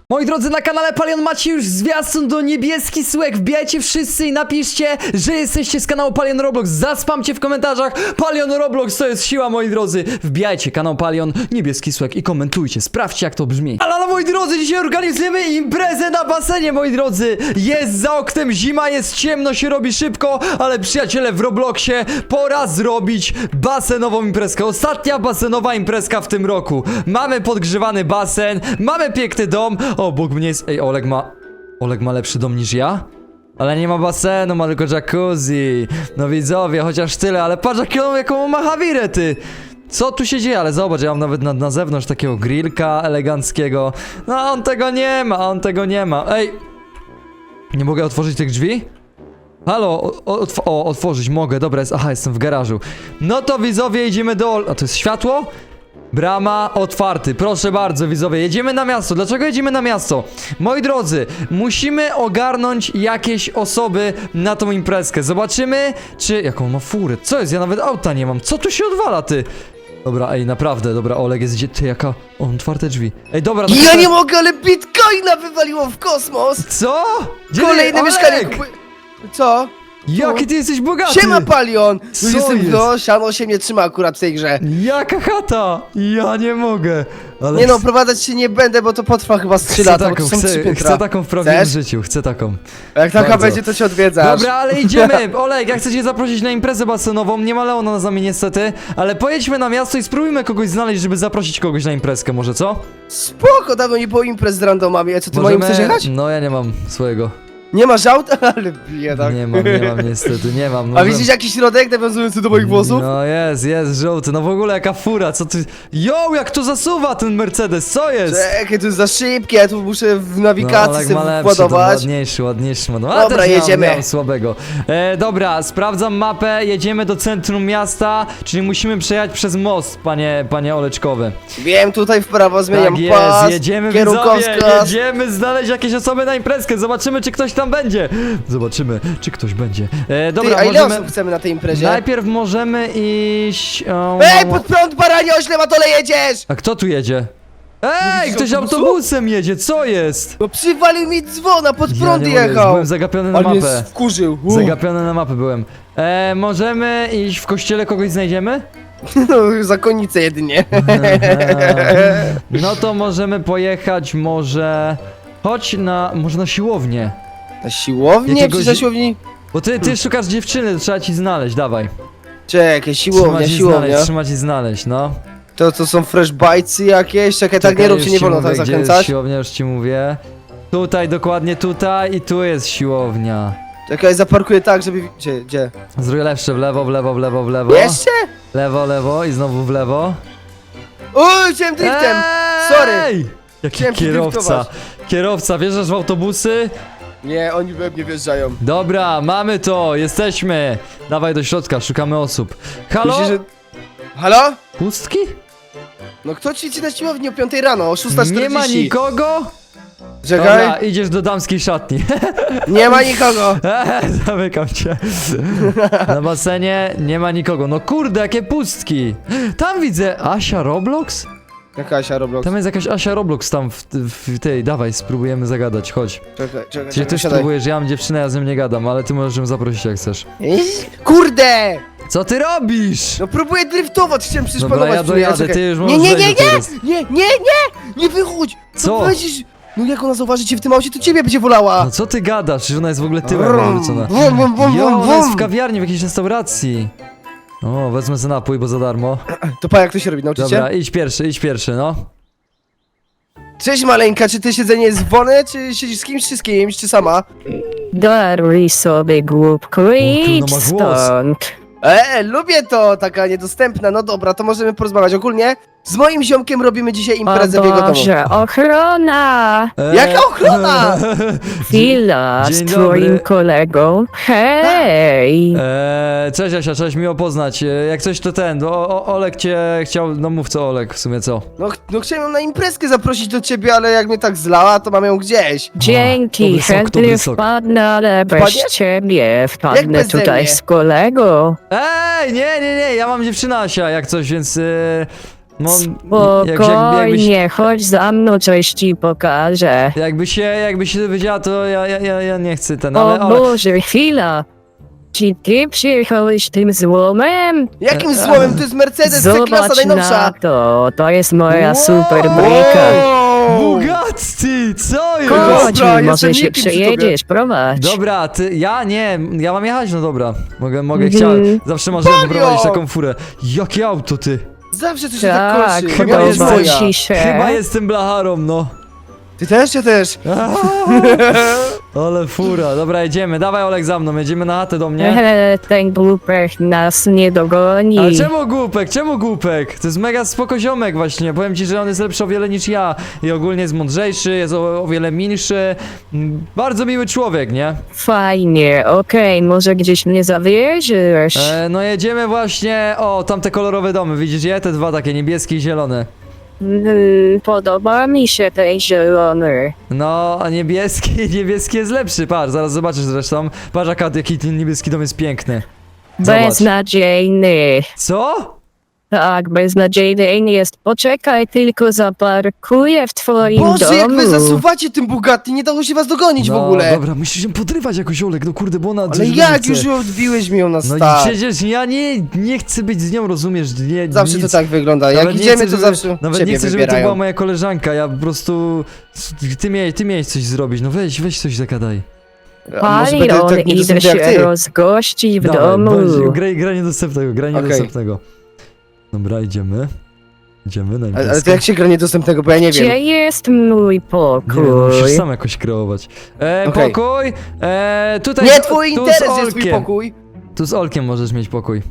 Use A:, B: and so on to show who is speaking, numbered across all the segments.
A: Moi drodzy, na kanale Palion macie już zwiastun do Niebieski Sułek. Wbijajcie wszyscy i napiszcie, że jesteście z kanału Palion Roblox. Zaspamcie w komentarzach Palion Roblox, to jest siła, moi drodzy. Wbijajcie kanał Palion Niebieski Sułek i komentujcie, sprawdźcie jak to brzmi. Ale moi drodzy, dzisiaj organizujemy imprezę na basenie, moi drodzy. Jest za oknem zima, jest ciemno, się robi szybko, ale przyjaciele, w Robloxie pora zrobić basenową imprezkę. Ostatnia basenowa imprezka w tym roku. Mamy podgrzewany basen, mamy piękny dom. O, Bóg mnie jest... Ej, Oleg ma lepszy dom niż ja? Ale nie ma basenu, ma tylko jacuzzi. No widzowie, chociaż tyle, ale patrz jaką ma Hawirę, ty. Co tu się dzieje? Ale zobacz, ja mam nawet na zewnątrz takiego grillka eleganckiego. No on tego nie ma. Ej! Nie mogę otworzyć tych drzwi? Halo, otworzyć mogę, dobra, aha, jestem w garażu. No to widzowie, idziemy do... A to jest światło? Brama otwarty, proszę bardzo widzowie, jedziemy na miasto. Dlaczego jedziemy na miasto? Moi drodzy, musimy ogarnąć jakieś osoby na tą imprezkę. Zobaczymy, czy... Jaką ma furę? Co jest? Ja nawet auta nie mam. Co tu się odwala, ty? Dobra, ej, naprawdę, dobra, Oleg jest gdzie... Ty, jaka... O, otwarte drzwi. Ej, dobra...
B: Ja nie mogę, ale bitcoina wywaliło w kosmos!
A: Co? Gdzie
B: Kolejne
A: Oleg?
B: mieszkanie kupuję... Co?
A: Jaki ty jesteś bogaty!
B: Siema, Palion!
A: Co
B: Jestem,
A: jest?
B: no, siano się nie trzyma akurat w tej grze.
A: Jaka chata? Ja nie mogę. Ale
B: Nie no, prowadzać się nie będę, bo to potrwa chyba z 3 lata, bo to są 3 piętra.
A: chcę taką w prawdziwym
B: Chcesz?
A: życiu, chcę taką.
B: Jak taka
A: Bardzo.
B: będzie, to cię odwiedzasz.
A: Dobra, ale idziemy. Oleg, ja chcę cię zaprosić na imprezę basenową. Nie ma Leona z nami niestety, ale pojedźmy na miasto i spróbujmy kogoś znaleźć, żeby zaprosić kogoś na imprezkę, może co?
B: Spoko, dawno nie było imprez z randomami. A co, ty moim chcesz jechać?
A: No ja nie mam swojego.
B: Nie masz auta? Ale biedak.
A: Nie mam niestety, nie mam.
B: A widzisz jakiś środek nawiązujący do moich włosów?
A: No jest, żółty. No w ogóle jaka fura, co ty... Jo, jak to zasuwa ten Mercedes, co jest?
B: Czekaj, to jest za szybkie, ja tu muszę w nawigacji
A: Oleg
B: sobie
A: ma lepszy,
B: władować.
A: ładniejszy ma. No,
B: Dobra,
A: też
B: jedziemy.
A: Miałem słabego. Dobra, sprawdzam mapę, jedziemy do centrum miasta, czyli musimy przejechać przez most, panie Oleczkowy.
B: Wiem, tutaj w prawo zmieniam
A: Tak jest,
B: pas,
A: jedziemy widzowie,
B: kierunkowskaz.
A: jedziemy znaleźć jakieś osoby na imprezkę, zobaczymy czy ktoś tam będzie. Zobaczymy, czy ktoś będzie. Dobra,
B: Ty, a ile
A: możemy...
B: osób chcemy na tej imprezie?
A: Najpierw możemy iść...
B: Ej, pod prąd, baranie, ośle, na dole jedziesz!
A: A kto tu jedzie? Ej,
B: widzisz
A: ktoś
B: autobusu?
A: autobusem jedzie, co jest?
B: No przywalił mi dzwona, pod prąd
A: nie mogę,
B: jechał!
A: byłem zagapiony na
B: On mnie
A: mapę.
B: wkurzył.
A: Zagapiony na mapę byłem. Możemy iść w kościele, kogoś znajdziemy?
B: No, zakonnicę jedynie.
A: No to możemy pojechać może... może na siłownię.
B: Na siłownię?
A: Jakiegoś-
B: Czy na siłowni?
A: Bo ty szukasz dziewczyny, to trzeba ci znaleźć, dawaj.
B: Czekaj, siłownia.
A: Trzeba ci znaleźć, no.
B: To są fresh bitesy jakieś? Czekaj, tak nie rób,
A: już
B: się nie
A: ci
B: wolno
A: mówię,
B: tak
A: gdzie jest
B: zakręcać.
A: siłownia, już ci mówię. Tutaj, dokładnie tutaj i tu jest siłownia.
B: Czekaj, zaparkuję tak, żeby... Gdzie?
A: Zrobię lepsze, w lewo, w lewo, w lewo, w lewo.
B: Jeszcze?
A: Lewo i znowu w lewo.
B: Uj, chciałem driftem! Sorry!
A: Jaki
B: Chciałem
A: kierowca.
B: driftować.
A: Kierowca, wjeżdżasz w autobusy?
B: Nie, oni we mnie wjeżdżają.
A: Dobra, mamy to, jesteśmy. Dawaj do środka, szukamy osób. Halo?
B: Myślisz, że... Halo?
A: Pustki?
B: No kto ćwiczy na siłowni o 5 rano, o 6:40?
A: Nie ma nikogo?
B: Czekaj,
A: Dobra, idziesz do damskiej szatni.
B: nie ma nikogo.
A: Zamykam cię. Na basenie nie ma nikogo. No kurde, jakie pustki. Tam widzę Asia Roblox?
B: Jaka Asia Roblox?
A: Tam jest jakaś Asia Roblox tam w tej. Dawaj, spróbujemy zagadać, chodź. Czyli ty
B: siadaj.
A: spróbujesz, ja mam dziewczynę, ja z nią nie gadam, ale ty możesz ją zaprosić jak chcesz.
B: Kurde!
A: Co ty robisz?
B: No próbuję driftować, chciałem przecież
A: Dobra,
B: panować
A: ja
B: przy niej,
A: dojadę,
B: czekaj.
A: ty już
B: Nie,
A: możesz
B: nie,
A: wejść
B: nie,
A: do teraz.
B: nie wychodź!
A: Co?
B: Powiedzisz, no jak ona zauważy cię w tym aucie, to ciebie będzie wolała!
A: No co ty gadasz? Przecież ona jest w ogóle tyłem
B: Brum,
A: wywrócona.
B: bum, bum, bum,
A: Jo,
B: bum,
A: ona jest w
B: bum.
A: kawiarni, w jakiejś restauracji. O, wezmę sobie napój, bo za darmo.
B: To pa, jak to się robi, nauczycie?
A: Dobra, idź pierwszy, no.
B: Cześć maleńka, czy ty siedzenie jest wolne, czy siedzisz z kimś, czy sama?
C: Daruj sobie głupku,
A: no
C: idź
A: ma głos.
C: stąd.
B: Lubię to, taka niedostępna, no dobra, to możemy porozmawiać. Ogólnie z moim ziomkiem robimy dzisiaj
C: O
B: imprezę w jego domu.
C: Boże, ochrona!
B: Jaka ochrona?
C: Chwila, z
A: Dzień
C: twoim
A: dobry.
C: kolegą. Hej!
A: Cześć Asia, cześć, miło poznać. Jak coś to Olek cię chciał, no mów co Olek w sumie co?
B: No chciałem ją na imprezkę zaprosić do ciebie, ale jak mnie tak zlała, to mam ją gdzieś.
C: Dzięki,
A: dobry sok,
C: chętnie
A: dobry sok.
C: wpadnę, ale bez
B: Wpadniesz?
C: ciebie
B: Jak
C: wpadnę
B: beze
C: tutaj
B: mnie?
C: z kolegą.
A: Ej, nie, ja mam dziewczynę Asia, jak coś, więc No,
C: Spokojnie, chodź za mną, coś ci pokażę.
A: jakby się dowiedziała, to ja nie chcę ten,
C: O
A: ale...
C: Boże, chwila. Czy ty przyjechałeś tym złomem?
B: Jakim słowem? To jest Mercedes C-klasa
C: Zobacz
B: najnowsza.
C: na to jest moja
A: Wow.
C: super bryka.
A: Bugatti, co jest?
C: Chodź,
B: Dobra,
C: może
B: jestem
C: się
B: nikim przy
C: przejedziesz, prowadź.
A: Dobra, ja mam jechać, no dobra. Mogę,
C: Mhm.
A: chciałem, zawsze marzyłem
B: Palio!
A: wyprowadzić taką furę. Jakie auto, ty?
B: Zawsze coś się tak
C: Tak,
B: kończy.
A: chyba
B: Chyba
A: jest
C: podoba
B: moja.
C: ci się.
A: Chyba jestem blacharą, no.
B: Ty też, ja też.
A: Ale fura, dobra, jedziemy, dawaj Olek za mną, jedziemy na chatę do mnie.
C: Ten głupek nas nie dogoni.
A: Ale czemu głupek? To jest mega spoko ziomek właśnie, powiem ci, że on jest lepszy o wiele niż ja. I ogólnie jest mądrzejszy, jest o wiele milszy. Bardzo miły człowiek, nie?
C: Fajnie, okej, może gdzieś mnie zawieziesz?
A: No jedziemy właśnie, o, tamte kolorowe domy, widzisz je? Te dwa takie, niebieskie i zielone.
C: Podoba mi się ten zielony.
A: No, a niebieski jest lepszy, patrz, zaraz zobaczysz zresztą. Patrz jaki ten niebieski dom jest piękny. Zobacz.
C: Beznadziejny.
A: Co?
C: Tak, beznadziejny jest. Poczekaj, tylko zaparkuję w twoim
B: Boże,
C: domu.
B: jak wy zasuwacie tym Bugatti, nie dało się was dogonić w
A: No,
B: ogóle.
A: dobra, musisz się podrywać jakoś, Olek, no kurde, bo ona
B: Ale
A: coś
B: jak
A: chce.
B: już odbiłeś mi ją na
A: No i
B: start.
A: przecież ja nie chcę być z nią, rozumiesz? Nie,
B: Zawsze
A: nic.
B: to tak wygląda.
A: Nawet
B: Jak
A: nie
B: idziemy,
A: chcę,
B: to zawsze
A: Nawet
B: ciebie
A: nie chcę, żeby to
B: wybierają.
A: była moja koleżanka, ja po prostu... Ty miałeś coś zrobić, no weź coś zagadaj.
B: A może będę
C: Palion,
B: tak
C: idę
B: niedostępny jak
C: się
B: ty?
C: rozgościć w
A: Dawaj,
C: domu.
A: graj niedostępnego, graj
B: Okej.
A: niedostępnego. Dobra, idziemy na
B: Ale
A: imprezkę.
B: to jak się gra niedostępnego, bo ja nie wiem.
C: Gdzie jest mój
A: Nie
C: pokój?
A: wiem, musisz sam jakoś kreować.
B: Okej.
A: Pokój, tutaj
B: Nie
A: z-
B: twój
A: tu
B: interes
A: z
B: jest twój
A: Olkiem.
B: pokój.
A: Tu z Olkiem możesz mieć pokój.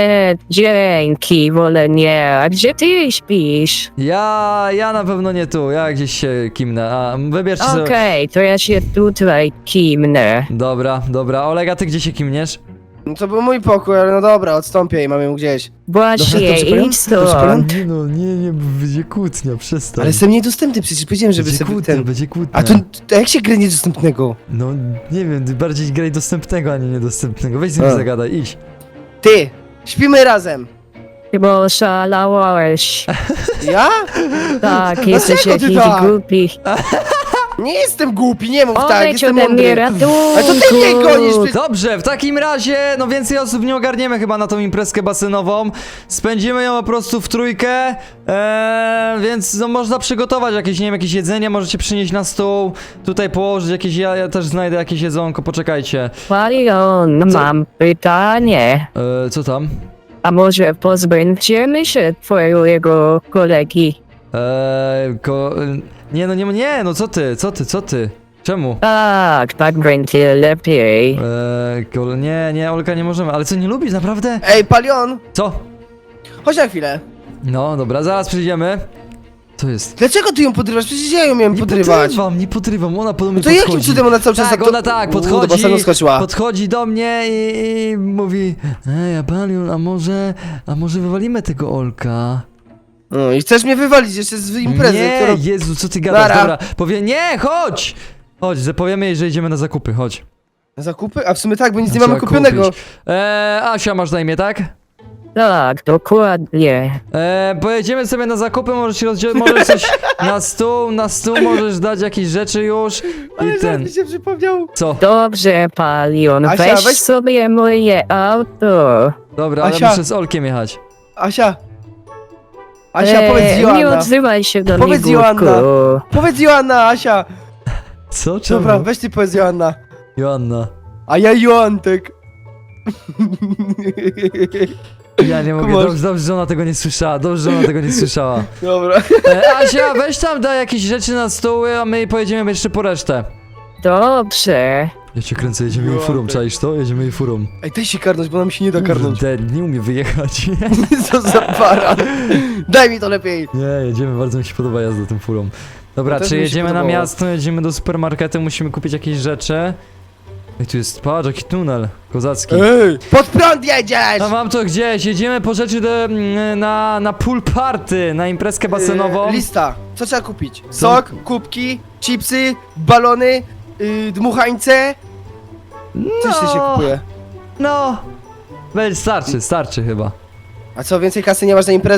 C: Dzięki, wolę nie. A gdzie ty śpisz?
A: Ja na pewno nie tu, ja gdzieś się kimnę, a wybierzcie sobie...
C: Okej, to ja się tutaj kimnę.
A: Dobra, Oleg, a ty gdzie się kimniesz?
B: No to był mój pokój, ale no dobra, odstąpię i mam ją gdzieś.
C: Właśnie,
B: Dobrze, Palion?
C: idź
B: Dobrze, Palion?
C: stąd.
A: Nie, będzie kłótnia, przestań.
B: Ale jestem niedostępny, przecież powiedziałem, żeby sobie ten...
A: będzie kłótnia.
B: A to jak się gra niedostępnego?
A: No, nie wiem, ty bardziej graj dostępnego, a nie niedostępnego. Weź z nim
B: A.
A: zagadaj, idź.
B: Ty, śpimy razem.
C: Bo szalałeś.
B: Ja?
C: Tak, jesteś
B: Dlaczego ty
C: jakiś
B: tak?
C: głupi.
B: Nie jestem głupi, nie mów tak,
C: Odejdź
B: jestem
C: ode mnie,
B: mądry.
C: ratunku.
B: Ale to ty mnie gonisz, przecież...
A: Dobrze, w takim razie, no więcej osób nie ogarniemy chyba na tą imprezkę basenową. Spędzimy ją po prostu w trójkę, więc no można przygotować jakieś, nie wiem, jakieś jedzenie, możecie przynieść na stół, tutaj położyć jakieś, ja też znajdę jakieś jedzonko, poczekajcie.
C: Palion,
A: Co?
C: mam pytanie.
A: Co tam?
C: A może pozbędziemy się twojego kolegi?
A: Nie, no co ty? Czemu?
C: Tak będzie lepiej.
A: Nie, Olka, nie możemy, ale co, nie lubisz, naprawdę?
B: Ej, Palion,
A: Co?
B: chodź na chwilę.
A: No, dobra, zaraz przyjdziemy. Co jest?
B: Dlaczego ty ją podrywasz? Przecież ja ją miałem podrywać.
A: Nie podrywam, ona podobnie
B: No to
A: podchodzi.
B: jakim cudem ona cały czas
A: Tak, ona tak,
B: Do
A: podchodzi,
B: basenu skoczyła.
A: podchodzi do mnie i mówi: Ej, Palion, a może wywalimy tego Olka?
B: No i chcesz mnie wywalić jeszcze z imprezy,
A: Nie,
B: którą...
A: Jezu, co ty gadasz,
B: Nara.
A: dobra, nie, chodź, powiemy jej, że idziemy na zakupy, chodź.
B: Zakupy? A w sumie tak, bo nic nie
A: Trzeba
B: mamy kupionego.
A: kupić. Asia masz na imię, tak?
C: Tak, dokładnie.
A: Pojedziemy sobie na zakupy, możesz coś na stół możesz dać jakieś rzeczy już
B: Ale
A: i ten,
B: mi się przypomniał.
A: co?
C: Dobrze, Palion,
B: Asia,
C: weź
B: weź-
C: sobie moje auto.
A: Dobra, ale
B: Asia.
A: muszę z Olkiem jechać.
B: Asia, powiedz
C: Nie
B: Joanna.
C: odzywaj się do mnie,
B: Powiedz
C: głupku.
B: Joanna. Powiedz Joanna, Asia.
A: Co? Czemu?
B: Dobra, weź ty powiedz Joanna.
A: Joanna.
B: A ja Joantek.
A: Ja nie mogę,
B: Kumasz.
A: dobrze, że ona tego nie słyszała,
B: Dobra.
A: Asia, weź tam daj jakieś rzeczy na stół, a my pojedziemy jeszcze po resztę.
C: Dobrze.
A: Ja cię kręcę, jedziemy jej furą, czaisz to? Jedziemy jej furą.
B: Ej, daj się karnąć, bo nam się nie da karnąć.
A: Kurde, nie umie wyjechać.
B: Co za para. Daj mi to lepiej.
A: Nie, jedziemy, bardzo mi się podoba jazda tą furą. Dobra,
B: No też
A: czy
B: mi się
A: jedziemy na
B: podobało.
A: miasto, jedziemy do supermarketu, musimy kupić jakieś rzeczy. Ej, tu jest, patrz, jaki tunel kozacki.
B: Ej, pod prąd jedziesz!
A: A mam to gdzieś, jedziemy po rzeczy na pool party, na imprezkę basenową.
B: Lista. Co trzeba kupić? Sok, kubki, chipsy, balony, dmuchańce. Co jeszcze się kupuje?
A: No, starczy chyba.
B: A co, więcej kasy nie masz na imprezę?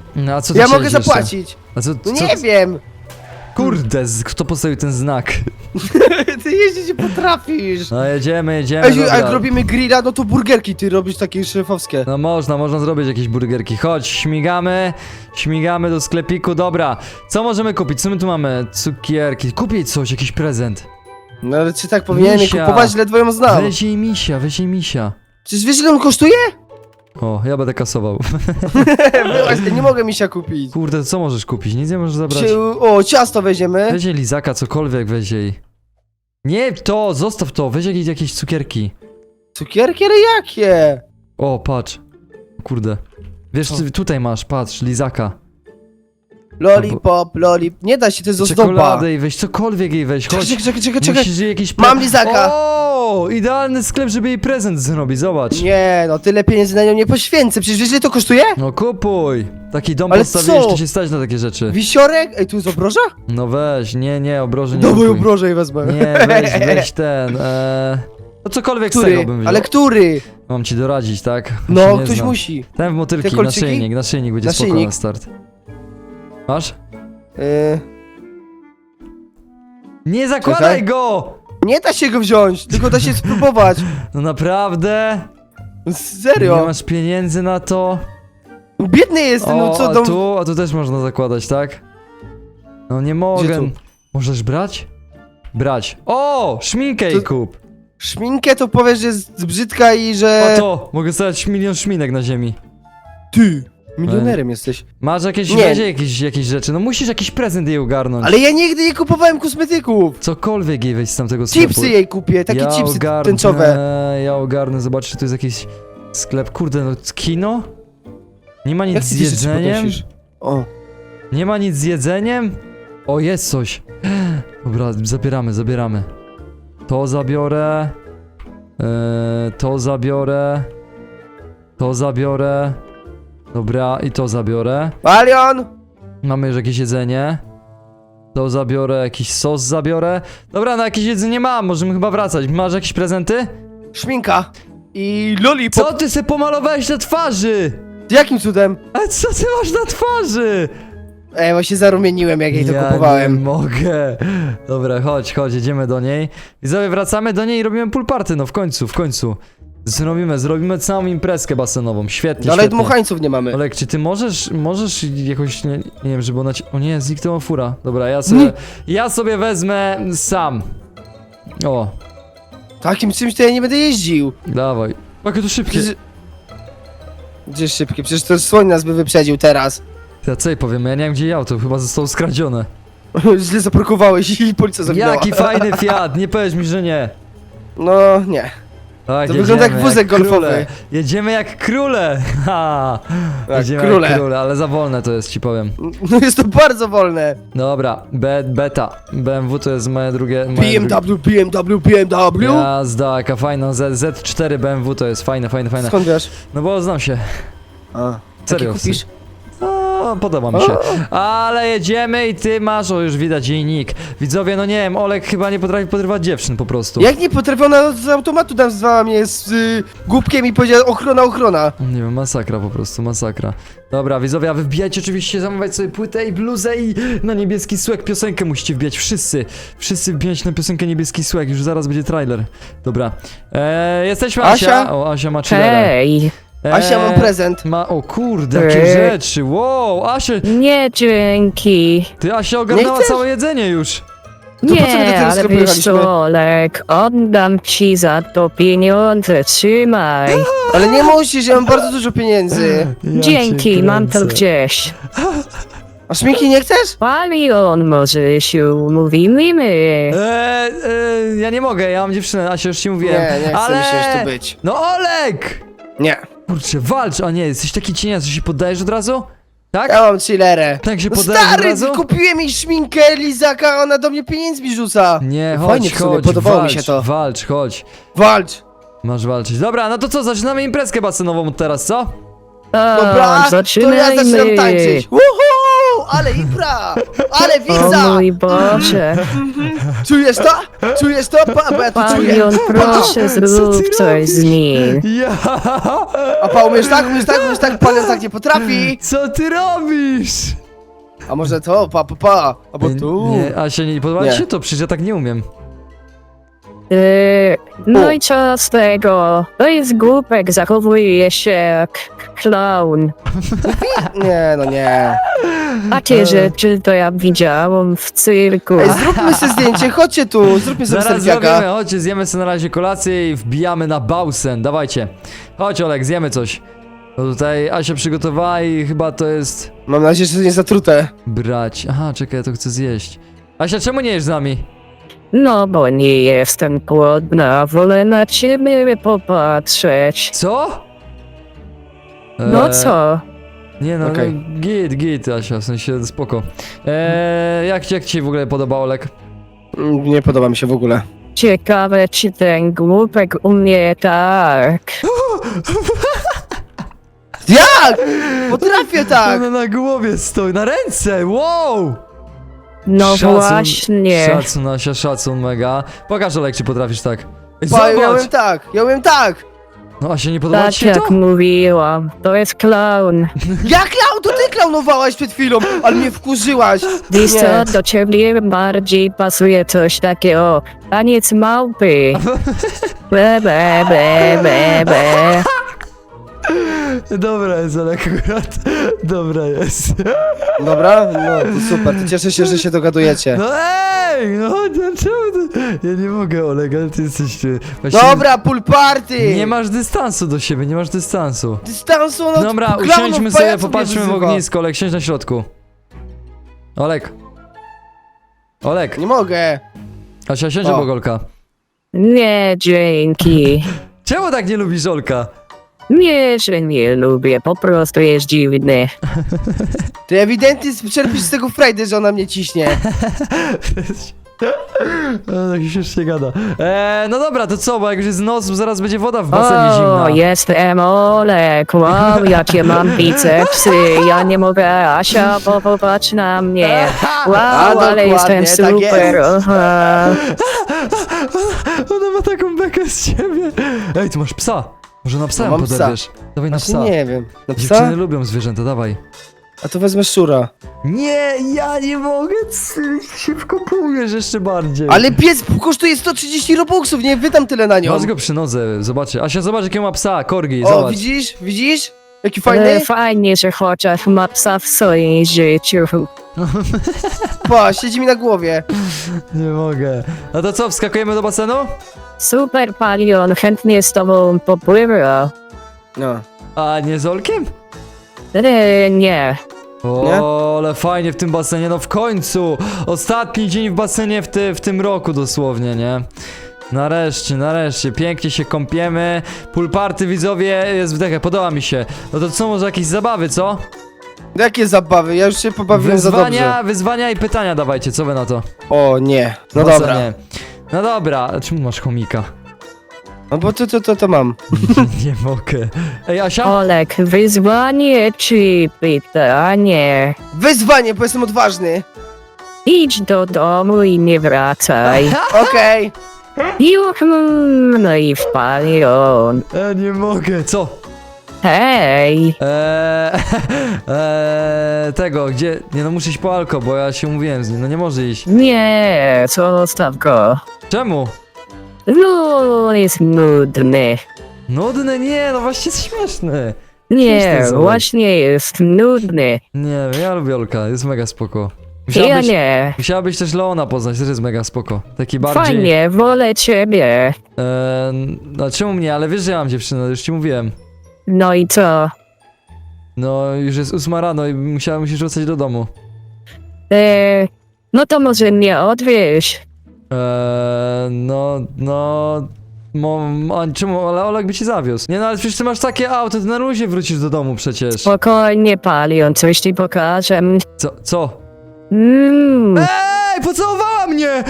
A: No a co ty
B: Ja
A: chciałeś
B: mogę
A: jeszcze?
B: zapłacić.
A: A co,
B: No
A: co,
B: nie wiem.
A: Kurde, kto postawił ten znak?
B: Ty jeździć nie potrafisz.
A: No jedziemy,
B: Ej,
A: dobra.
B: jak robimy grilla, no to burgerki ty robisz takie szefowskie.
A: No można zrobić jakieś burgerki. Chodź, śmigamy do sklepiku, dobra. Co możemy kupić? Co my tu mamy? Cukierki. Kupię coś, jakiś prezent.
B: No ale czy tak powinienem je
A: Misia.
B: kupować, ledwo ją znam.
A: Weź jej misia.
B: Przecież wiesz ile on kosztuje?
A: O, ja będę kasował.
B: Właśnie, nie mogę misia kupić.
A: Kurde, co możesz kupić? Nic nie możesz zabrać.
B: O, ciasto weźmiemy.
A: Weź jej lizaka, cokolwiek weź jej. Nie to, zostaw to, weź jakieś cukierki.
B: Cukierki, ale jakie?
A: O, patrz. Kurde. Wiesz, tutaj masz, patrz, lizaka.
B: Lollipop. Nie da się, to jest ozdoba.
A: Czekoladę jej weź, cokolwiek jej weź, chodź.
B: Czekaj.
A: Musisz jej jakiś
B: Mam lizaka.
A: O, idealny sklep, żeby jej prezent zrobić, zobacz.
B: Nie, no tyle pieniędzy na nią nie poświęcę. Przecież wiesz ile to kosztuje?
A: No kupuj. Taki dom
B: Ale
A: postawiłeś,
B: co?
A: to się stać na takie rzeczy.
B: Wisiorek? Ej, tu jest obroża?
A: No weź, nie, obroży nie
B: Dawaj
A: kupuj.
B: obrożę i wezmę.
A: Nie, weź ten, no cokolwiek z tego
B: Który?
A: bym wziął.
B: Ale który?
A: Mam ci doradzić, tak? Ja się
B: No,
A: nie
B: ktoś
A: znam.
B: musi.
A: Ten w motylki,
B: Te
A: na
B: kolczyki?
A: naszyjnik będzie spoko
B: Naszyjnik.
A: na start. Masz? Nie zakładaj
B: Czekaj.
A: go!
B: Nie da się go wziąć, tylko da się spróbować.
A: No naprawdę? Nie
B: Serio.
A: masz pieniędzy na to?
B: Biedny jestem, no
A: O,
B: co
A: a tu też można zakładać, tak? No nie mogę.
B: tu?
A: Możesz brać? Brać. O! Szminkę jej
B: To-
A: kup!
B: Szminkę to powiesz, że jest brzydka i że...
A: O to! Mogę stawiać milion szminek na ziemi.
B: Ty! Milionerem jesteś.
A: Masz jakieś,
B: Nie.
A: weź jakieś rzeczy, no musisz jakiś prezent jej ogarnąć.
B: Ale ja nigdy nie kupowałem kosmetyków.
A: Cokolwiek jej weź z tamtego sklepu.
B: Chipsy jej kupię, takie chipsy
A: ogarnę,
B: tęczowe.
A: Ja ogarnę, zobacz, czy tu jest jakiś sklep. Kurde, no kino? Nie ma nic
B: Jak
A: z
B: ty te rzeczy
A: jedzeniem?
B: podnosisz? O.
A: Nie ma nic z jedzeniem? O, jest coś. Dobra, zabieramy. To zabiorę. To zabiorę. To zabiorę. Dobra, i to zabiorę.
B: Palion!
A: Mamy już jakieś jedzenie. To zabiorę, jakiś sos zabiorę. Dobra, no jakieś jedzenie mam, możemy chyba wracać. Masz jakieś prezenty?
B: Szminka. I lollipop.
A: Co ty se pomalowałeś na twarzy?
B: Jakim cudem?
A: A co ty masz na twarzy?
B: Ej, bo się zarumieniłem, jak jej to
A: Ja nie
B: kupowałem.
A: mogę. Dobra, chodź, jedziemy do niej. I sobie wracamy do niej i robimy pool party, no w końcu. Zrobimy całą imprezkę basenową, świetnie,
B: Ale
A: świetnie.
B: dmuchańców nie mamy.
A: Olek, czy ty możesz jakoś, nie wiem, żeby ona ci... O nie, zniknęła fura. Dobra, ja sobie wezmę sam. O,
B: Takim czymś to ja nie będę jeździł.
A: dawaj. Jakie to szybkie.
B: Przecież... Gdzie szybkie? Przecież to słoń nas by wyprzedził teraz.
A: Ja co jej powiem, ja nie wiem gdzie jej auto, chyba zostało skradzione.
B: Źle zaparkowałeś i policja zawinęła.
A: Jaki fajny Fiat, nie powiedz mi, że nie.
B: No, nie.
A: Tak,
B: To wygląda jak wózek golfowy.
A: króle. Jedziemy jak króle. Ha.
B: Tak,
A: Jedziemy
B: króle.
A: jak króle, ale za wolne to jest, ci powiem.
B: No jest to bardzo wolne.
A: Dobra, beta. BMW to jest moje drugie...
B: BMW.
A: Jazda, jaka fajna. Z4 BMW to jest fajne.
B: Skąd wiesz?
A: No bo znam się.
B: A,
A: Serio.
B: taki kupisz?
A: No, podoba mi się. Ale jedziemy i ty masz, o już widać jej nick. Widzowie, no nie wiem, Olek chyba nie potrafi podrywać dziewczyn po prostu.
B: Jak nie potrafię, ona z automatu nazwała mnie z głupkiem i powiedziała ochrona.
A: Nie wiem, masakra po prostu, masakra. Dobra, widzowie, a wy wbijajcie oczywiście, zamawiać sobie płytę i bluzę i na Niebieski Słek piosenkę musicie wbijać, wszyscy wbijać na piosenkę Niebieski Słek, już zaraz będzie trailer. Dobra, jesteśmy Asia.
B: Asia?
A: O, Asia ma chillerę.
C: Hej,
B: Asia, mam prezent.
A: O kurde, jakie rzeczy, wow, Asia,
C: nie dzięki.
A: ty Asia ogarnęła
B: chcesz?
A: całe jedzenie już.
B: po co my do
C: Nie,
B: tego
C: ale
B: sklepu
C: wiesz
B: jechaliśmy?
C: co, Olek, oddam ci za to pieniądze, trzymaj.
B: Ale nie musisz, ja mam bardzo dużo pieniędzy.
A: Ja
C: Dzięki,
A: cię
C: mam to
A: kręcę.
C: gdzieś.
B: A szminki nie chcesz?
C: Palion, może się umówimy.
A: Ja nie mogę, ja mam dziewczynę, Asia, już ci mówiłem.
B: Nie chcę
A: ale...
B: mi się już tu być.
A: No Olek!
B: Nie.
A: Kurczę, walcz, a nie, jesteś taki cienias, że się poddajesz od razu? Tak?
B: Ja mam chillerę.
A: Tak się
B: No
A: poddajesz od
B: stary,
A: razu?
B: kupiłem jej szminkę, lizaka, a ona do mnie pieniędzmi rzuca.
A: Nie,
B: Fajnie
A: chodź,
B: w sumie,
A: chodź,
B: podobało mi
A: walcz,
B: się to.
A: walcz, chodź.
B: Walcz.
A: Masz walczyć. Dobra, no to co, zaczynamy imprezkę basenową teraz, co?
B: Dobra, to ja
C: zaczynajmy.
B: zaczynam tańczyć. Woohoo! Ale impra! Ale
C: O
B: widza!
C: mój Boże.
B: Czujesz to? Czujesz to? Bo ja to czuję.
C: Palion, proszę
A: Co
C: zrób
A: ty
C: coś z nim.
A: Ja!
B: A pa, umiesz tak? Palion tak nie potrafi.
A: Co ty robisz?
B: A może to? Pa. Albo tu.
A: Nie, Asia, nie podoba
B: Nie.
A: ci się to? Przecież ja tak nie umiem.
C: No
B: O.
C: i co z tego? To jest głupek, zachowuje się jak clown.
B: Nie, no nie.
C: Takie rzeczy to ja widziałam w cyrku.
B: Ej, zróbmy sobie zdjęcie, chodźcie tu, zróbmy sobie
A: Zaraz
B: selfiaka.
A: zrobimy, chodźcie, zjemy sobie na razie kolację i wbijamy na Bausen. Dawajcie. Chodź, Olek, zjemy coś. Bo tutaj Asia przygotowała i chyba to jest...
B: Mam nadzieję, że to nie zatrute.
A: brać. Aha, czekaj, ja to chcę zjeść. Asia, czemu nie jesz z nami?
C: No bo nie jestem głodna, wolę na ciebie popatrzeć.
A: Co?
C: No co?
A: Nie no,
B: Okej.
A: no git, Asia, w sensie spoko. Jak ci się w ogóle podoba, Olek?
B: Nie podoba mi się w ogóle.
C: Ciekawe, czy ten głupek umie tak.
B: Jak? Potrafię tak!
A: Ona na głowie stoi, na ręce, wow!
C: No
A: Szacun,
C: właśnie.
A: Szacun, Asia, szacun mega. Pokaż, Olek, czy potrafisz tak. Ej,
B: Pa, ja
A: zobacz!
B: umiem tak!
A: No Asia, nie podoba
C: Tak
A: ci się to?
C: jak mówiłam, to jest clown.
B: Ja klaun, to ty klaunowałaś przed chwilą, ale mnie wkurzyłaś!
C: Wiesz
B: Nie.
C: co, do ciebie bardziej pasuje coś takiego. Taniec małpy. Be.
A: Dobra jest, Olek, akurat. Dobra jest.
B: Dobra? No, to super, to cieszę się, że się dogadujecie.
A: No ej, no dlaczego ty? Ja nie mogę, Oleg, ale ty jesteś... Właśnie
B: Dobra, pool party!
A: Nie masz dystansu do siebie, nie masz dystansu.
B: Dystansu, no
A: Dobra,
B: klaunów,
A: usiądźmy sobie,
B: pajaców
A: popatrzmy
B: mnie
A: w
B: wyzywa.
A: ognisko, Olek, siądź na środku. Olek. Olek,
B: Nie mogę.
A: Asia, siądź
B: O.
A: obok Olka.
C: Nie, dzięki.
A: Czemu tak nie lubisz Olka?
C: Nie, że nie lubię, po prostu jest dziwny.
B: Ty ewidentnie czerpisz z tego frajdy, że ona mnie ciśnie.
A: No, tak się nie gada. No dobra, to co, bo jak już jest noc, zaraz będzie woda w basenie
C: O,
A: zimna.
C: jestem Olek, wow, jakie mam bicepsy, ja nie mogę, Asia, popatrz na mnie. Wow, ale
B: dokładnie,
C: jestem
B: tak
C: super,
B: jest.
C: aha.
A: Ona ma taką bekę z ciebie. Ej, tu masz psa. Może na psa
B: No,
A: ją
B: mam psa.
A: poderwiesz. Dawaj na psa.
B: Właśnie nie wiem. Na
A: Dziewczyny
B: psa?
A: lubią zwierzęta, dawaj.
B: A to wezmę szczura.
A: Nie, ja nie mogę, ty się wkopujesz jeszcze bardziej.
B: Ale pies kosztuje 130 robuxów, nie wydam tyle na nią.
A: Masz go przy nodze, zobaczy. Asia, zobacz jakiego ma psa, korgi,
B: O,
A: zobacz.
B: widzisz? Widzisz? Jaki
C: Ale
B: fajny?
C: fajnie, że chociaż ma psa w swoim życiu.
B: Pa, siedzi mi na głowie.
A: Nie mogę. No to co, wskakujemy do basenu?
C: Super, Palion, chętnie z tobą popływa.
B: No.
A: A nie z Olkiem?
C: Nie.
A: O,
B: Nie?
A: ale fajnie w tym basenie, no w końcu! Ostatni dzień w basenie w tym roku dosłownie, nie? Nareszcie, pięknie się kąpiemy. Pool party, widzowie, jest wdechę, podoba mi się. No to co, może jakieś zabawy, co?
B: Jakie zabawy? Ja już się pobawiłem za dobrze.
A: Wyzwania i pytania dawajcie, co wy na to?
B: O nie. No
A: W
B: dobra.
A: basenie. No dobra, a czemu masz chomika?
B: No bo to mam.
A: Nie mogę. Ej, Asia?
C: Olek, wyzwanie czy pytanie?
B: Wyzwanie, bo jestem odważny.
C: Idź do domu i nie wracaj.
B: Okej.
C: Już, no i w Palion.
A: Nie mogę, co?
C: Hej,
A: Tego, gdzie? Nie no, muszę iść po alko, bo ja się umówiłem z nim, no nie może iść.
C: nie, zostaw go.
A: Czemu?
C: No, on jest nudny.
A: Nudny? Nie, no właśnie jest śmieszny.
C: Nie,
A: Śmieszny jest
C: właśnie jest nudny.
A: Nie wiem, ja lubię Olka, jest mega spoko.
C: Ja nie.
A: Musiałabyś też Leona poznać, też jest mega spoko. Taki bardziej...
C: Fajnie, wolę ciebie.
A: No czemu mnie, ale wiesz, że ja mam dziewczynę, już ci mówiłem.
C: No i co?
A: No, już jest 8 rano i musisz wracać do domu.
C: No to może mnie odwieź.
A: Czemu, ale Olek by ci zawiózł. Nie no, ale przecież ty masz takie auto, ty na luzie wrócisz do domu przecież.
C: Spokojnie, Palion, coś ci pokażę.
A: Co? Ej, pocałowała mnie!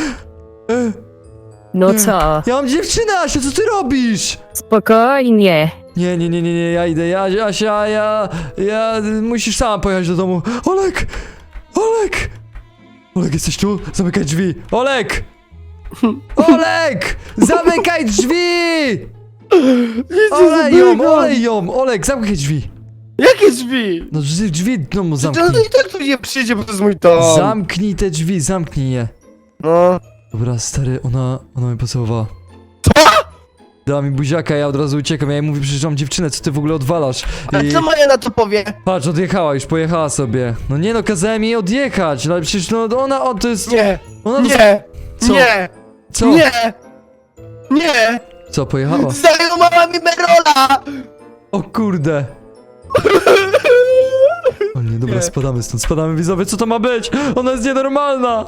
C: No co?
A: Ja mam dziewczynę, Asia, co ty robisz?
C: Spokojnie.
A: Nie, ja idę, Asia, musisz sama pojechać do domu. Olek, jesteś tu? Zamykaj drzwi. Olek! Olek! Zamykaj drzwi! Olej ją! Olek, zamknij drzwi!
B: Jakie drzwi?
A: No drzwi no
B: No
A: zamknij.
B: to i tak tu nie przyjdzie, bo to jest mój dom.
A: Zamknij te drzwi, zamknij je.
B: No.
A: Dobra, stary, ona mnie pocałowała.
B: Co?
A: Dała mi buziaka, ja od razu uciekam. Ja jej mówię, przecież mam dziewczynę, co ty w ogóle odwalasz?
B: A co Maja na to powie?
A: Patrz, odjechała, już pojechała sobie. No nie no, kazałem jej odjechać, no ale przecież no to jest...
B: Nie,
A: Ona
B: nie,
A: Co?
B: nie,
A: Co?
B: nie, nie.
A: Co, pojechała?
B: Zajmowała mi Merola!
A: O kurde. O nie, dobra,
B: Nie.
A: spadamy stąd, spadamy widzowie, co to ma być? Ona jest nienormalna!